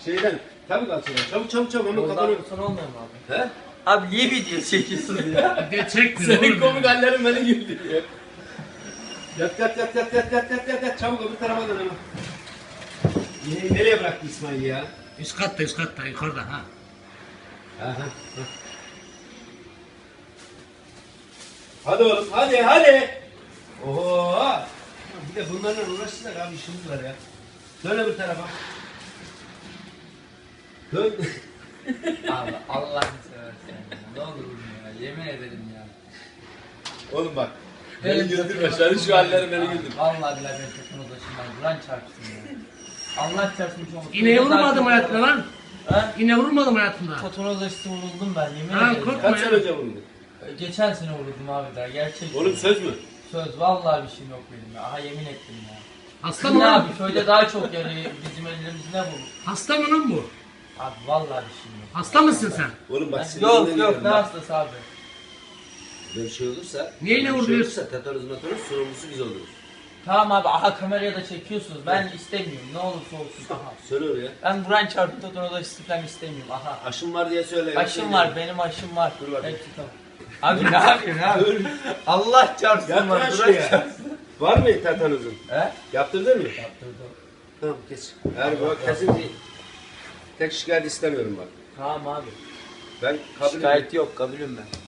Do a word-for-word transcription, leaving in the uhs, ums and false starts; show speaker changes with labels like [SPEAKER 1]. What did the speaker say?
[SPEAKER 1] Şeyden. Tabii kalsın. Çabuk çabuk çabuk hemen
[SPEAKER 2] Ondan
[SPEAKER 1] kapanıyor.
[SPEAKER 2] sonra olmuyor mu abi?
[SPEAKER 1] He?
[SPEAKER 2] Abi niye video çekiyorsun ya?
[SPEAKER 3] Bir de çekmiyor
[SPEAKER 1] Senin
[SPEAKER 3] oğlum
[SPEAKER 1] komik
[SPEAKER 3] ya.
[SPEAKER 1] hallerin beni güldürüyor. Yat yat yat yat yat yat yat yat yat çabuk öbür tarafa dön hemen. Yine nereye bıraktı İsmail ya?
[SPEAKER 3] Üst katta üst katta yukarıda ha.
[SPEAKER 1] Aha. Ha. Hadi oğlum hadi hadi. Oho. Bir de bunlarla uğraşsınlar abi işimiz var ya. Dön öbür tarafa. Dön.
[SPEAKER 2] Abi Allah'ını seversen ya. Ne olur ya. Yemin ederim ya.
[SPEAKER 1] Oğlum bak.
[SPEAKER 2] Evet,
[SPEAKER 1] Beni güldürme.
[SPEAKER 2] takım
[SPEAKER 1] Senin şu hallerin beni
[SPEAKER 2] Abi,
[SPEAKER 1] güldür.
[SPEAKER 2] Vallahi billahi ben takım odasından Kur'an çarpsın ya. Allah çarpsın çok mutlu.
[SPEAKER 3] İneğe vurmadım hayatımda lan.
[SPEAKER 2] Ha?
[SPEAKER 3] İneğe vurmadım hayatımda.
[SPEAKER 2] Takım odası vuruldum ben yemin
[SPEAKER 3] Ha,
[SPEAKER 2] ederim.
[SPEAKER 3] korkma.
[SPEAKER 2] ya.
[SPEAKER 1] Kaç sene önce vurdu?
[SPEAKER 2] Geçen sene vuruldum abi daha gerçekten.
[SPEAKER 1] Oğlum söz mü?
[SPEAKER 2] Söz vallahi bir şeyim yok benim ya. Aha yemin ettim ya.
[SPEAKER 3] Hasta mı
[SPEAKER 2] Ne
[SPEAKER 3] lan?
[SPEAKER 2] abi köyde daha çok yarıyor bizim ellerimiz ne bu?
[SPEAKER 3] Hasta mı lan bu?
[SPEAKER 2] Abi vallahi bir şeyim yok.
[SPEAKER 3] Hasta mısın sen?
[SPEAKER 1] Oğlum bak
[SPEAKER 2] Ha,
[SPEAKER 1] sinirden
[SPEAKER 2] Yok yok
[SPEAKER 1] geliyorum
[SPEAKER 2] ne
[SPEAKER 1] bak.
[SPEAKER 2] hastası abi?
[SPEAKER 1] Böyle bir şey olursa,
[SPEAKER 3] Niye
[SPEAKER 1] böyle
[SPEAKER 3] ne
[SPEAKER 1] bir şey
[SPEAKER 3] vuruyorsun?
[SPEAKER 1] olursa tetanoz matanoz sorumlusu biz oluruz.
[SPEAKER 2] Tamam abi aha kameraya da çekiyorsunuz. Ben istemiyorum ne olursa olsun aha.
[SPEAKER 1] Söyle oraya.
[SPEAKER 2] Ben Buran çarptı takım odası falan istemiyorum aha.
[SPEAKER 1] Aşım var diye söyle.
[SPEAKER 2] Aşım var benim aşım var.
[SPEAKER 1] Dur bakayım.
[SPEAKER 2] Hepsi tamam. Abi ne yapıyorsun abi? Allah çarpsın
[SPEAKER 1] Yat
[SPEAKER 2] var
[SPEAKER 1] lan
[SPEAKER 2] Buran
[SPEAKER 1] şuraya.
[SPEAKER 2] çarpsın.
[SPEAKER 1] Var mı tetanozun?
[SPEAKER 2] He?
[SPEAKER 1] Yaptırdın mı?
[SPEAKER 2] Yaptırdım.
[SPEAKER 1] Tamam kes. Eğer bu kesin bir tek şikayet istemiyorum bak.
[SPEAKER 2] Tamam abi.
[SPEAKER 1] Ben kabul
[SPEAKER 2] Şikayet yok kabulüm ben.